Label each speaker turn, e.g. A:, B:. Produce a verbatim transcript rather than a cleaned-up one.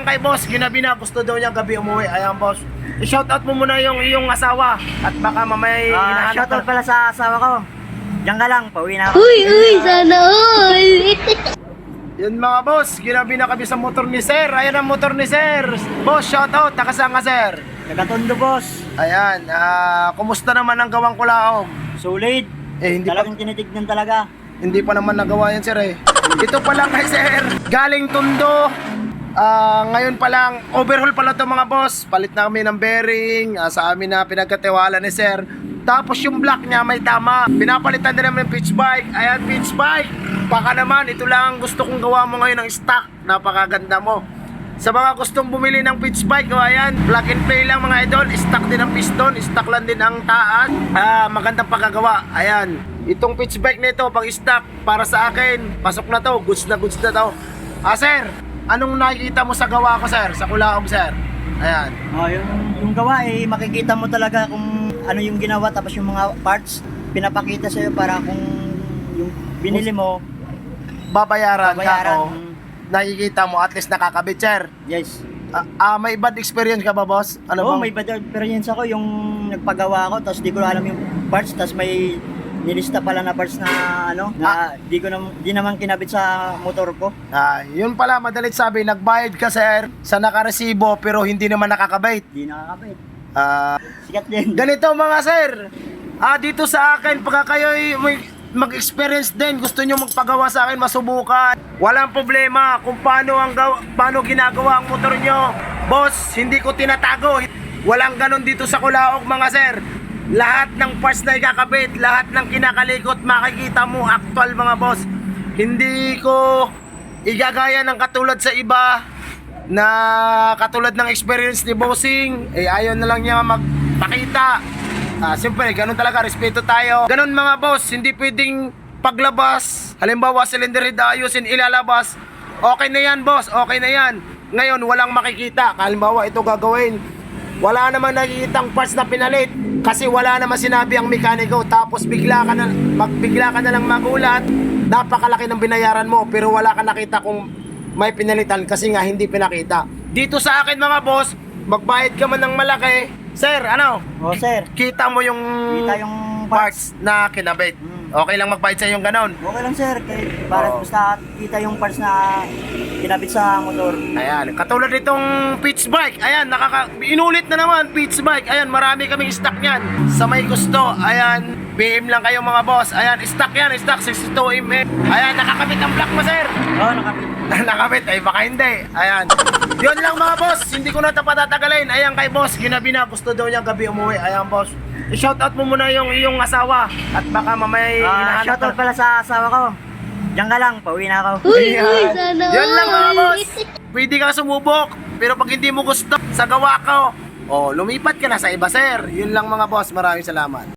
A: Ayan kay boss, ginabi na, gusto daw niya gabi umuwi. Ayan boss. I-shoutout mo muna yung iyong asawa at baka mamaya
B: Ah,
A: hinahanap
B: shoutout
A: ka.
B: pala sa asawa ko. Diyan ka lang, pauwi na ako.
C: Uy, uy, sana all.
A: Yun mga boss, ginabi na kami sa motor ni sir. Ayan ang motor ni sir. Boss, shoutout, takasang ka sir.
B: Nagatondo, boss.
A: Ayan, ah, kumusta naman ang gawang kulaog?
B: Solid.
A: Eh, hindi pa,
B: Talagang tinitignan talaga.
A: hindi pa naman nagawa yan sir eh. Ito pa lang kay sir, galing Tondo. Ah, ngayon pa lang, overhaul pala to mga boss. Palit na kami ng bearing ah, sa amin na pinagkatiwala ni sir. Tapos yung block niya may tama. Pinapalitan din namin ng pitch bike. Ayan, pitch bike. Baka naman, ito lang ang gusto kong gawa mo ngayon ng stock. Napakaganda mo. Sa mga gustong bumili ng pitch bike, oh, ayan, plug and play lang mga idol. Stock din ang piston, stock lang din ang taas. Ah, magandang pagkagawa. Ayan, itong pitch bike nito pang stock para sa akin. Pasok na to, goods na goods na to. Ah, sir, anong nakikita mo sa gawa ko, sir? Sa Kulaog, sir? Ayan.
B: Oh, yung, yung gawa eh, makikita mo talaga kung ano yung ginawa, tapos yung mga parts, pinapakita sa'yo para kung yung binili mo,
A: Babayaran,
B: babayaran.
A: ka, oh. Nakikita mo, at least nakakabit, sir.
B: Yes.
A: Ah, ah, may bad experience ka ba, boss? Ano
B: Oo,
A: bang-
B: may bad experience ako yung nagpagawa ko, tapos di ko alam yung parts, tapos may nilista pala na parts na ano, na di ko nam, di naman kinabit sa motor ko.
A: Ah, yun pala, madalit sabi, nagbayad ka, sir, sa nakaresibo, pero hindi naman nakakabit.
B: Di nakakabit.
A: Ah,
B: Sikat din.
A: ganito mga sir, ah, dito sa akin, pagka kayo'y may mag-experience din, gusto nyo magpagawa sa akin, masubukan. Walang problema kung paano, ang gaw- paano ginagawa ang motor nyo. Boss, hindi ko tinatago. Walang ganon dito sa Kulaog mga sir. Lahat ng parts na ikakabit, lahat ng kinakalikot, makikita mo, actual mga boss. Hindi ko igagaya ng katulad sa iba na katulad ng experience ni Bossing, eh ayaw na lang niya magpakita. Ah, siyempre, ganun talaga, respeto tayo. Ganun mga boss, hindi pwedeng paglabas. Halimbawa, cylinder head ayusin, ilalabas. Okay na yan, boss, okay na yan. Ngayon, walang makikita. Halimbawa, ito gagawin. Wala naman nakikitang parts na pinalit. Kasi wala naman sinabi ang mekaniko. Tapos bigla ka na, magbigla ka na lang magulat. Napakalaki ng binayaran mo, pero wala ka nakita kung may pinalitan kasi nga hindi pinakita. Dito sa akin mga boss, magbayad ka man ng malaki. Sir, ano?
B: Oh, sir.
A: Kita mo yung,
B: Kita yung
A: parts na kinabit.
B: Mm.
A: Okay lang magbayad sa yung ganon.
B: Okay lang, sir. Kaya para
A: Oo.
B: basta kita yung parts na kinabit sa motor.
A: Ayan, katulad nitong pitch bike. Ayan, nakaka inulit na naman pitch bike. Ayan, marami kaming stock niyan. Sa may gusto, ayan, B M lang kayo mga boss. Ayan, stock yan, stock sixty-two millimeter. Ayan, nakakabit ang block mo, sir.
B: Oo, oh, nakabit.
A: Nakabit, ay baka hindi. Ayan. Yun lang mga boss, hindi ko na ito patatagalin. Ayan kay boss, ginabi na, gusto daw niya gabi umuwi. Ayan boss. I-shoutout mo muna yung iyong asawa at baka mamaya
B: Ah,
A: hinahanap
B: shoutout
A: ka.
B: pala sa asawa ko. Diyan ka lang, pauwi na ako.
C: Uy, uy,
A: Ayan.
C: sana
A: Yun lang mga
C: all.
A: boss. Pwede ka sumubok, pero pag hindi mo gusto sa gawa ko, oh, lumipat ka na sa iba, sir. Yun lang mga boss, maraming salamat.